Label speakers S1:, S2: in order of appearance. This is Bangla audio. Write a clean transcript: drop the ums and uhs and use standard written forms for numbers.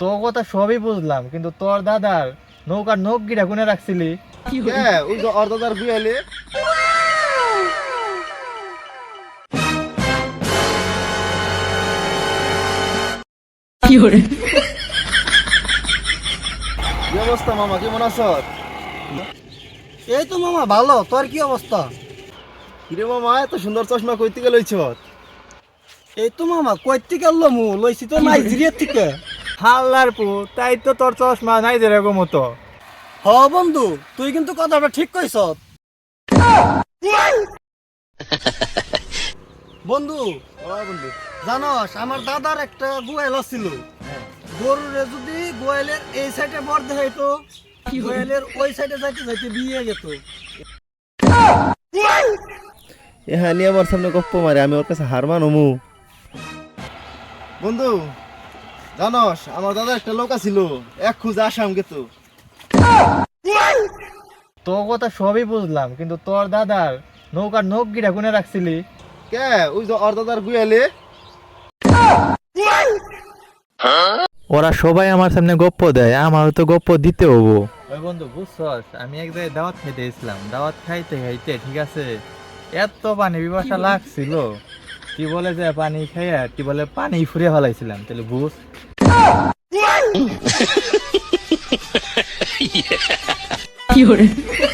S1: তোর কথা সবই বুঝলাম, কিন্তু তোর দাদার নৌকার নখ গিরা কোনে রাখছিলি?
S2: ওই যে ওর দাদার বিয়ে হইলে কি অবস্থা মামা, কেমন আছো?
S3: এই তো মামা ভালো। তোর কি অবস্থা?
S2: কিরে মামা, এত সুন্দর চশমা কইতে গেলছ?
S3: এই তো মামা কইতে গেল লইছি তো নাইজেরিয়া থেকে।
S1: হাল্লার পু, তাই তো তোর চশমা নাই যেরকম মতো।
S3: হ বন্ধু, তুই কিন্তু কথাটা ঠিক কইছ। বন্ধু
S2: বন্ধু,
S3: জানস আমার দাদার একটা গোয়াল ছিল। গরুরে যদি গোয়ালের এই সাইডে বর দেখাইতো, গোয়ালের ওই সাইডে যাইতে যাইতে বিয়ে যেত।
S2: হ্যাঁ নিয়ে আমার সামনে গপ্প মারে, আমি ওর কাছে হার মানমু? বন্ধু জানস আমার দাদার একটা লোক ছিল, এক খুঁজে আসাম গেতো।
S1: তোর কথা সবই বুঝলাম, কিন্তু তোর দাদার নৌকার নখ গিরা কোনে রাখছিলি?
S2: ওই যে ওর দাদার বিয়ে হইলে
S1: ওরা সবাই আমার সামনে গপ্প দেয়, আমারও তো গপ্প দিতে হবো। ওই বন্ধু বুঝছস, আমি এক জায়গায় দাওয়াত খাইতে গেছিলাম। দাওয়াত খাইতে খাইতে ঠিক আছে, এত পানি পিপাসা লাগছিল, কি বলে যে পানি খাইয়া কি বলে পানি ফুরিয়ে ফেলাইছিলাম। তাহলে বুঝ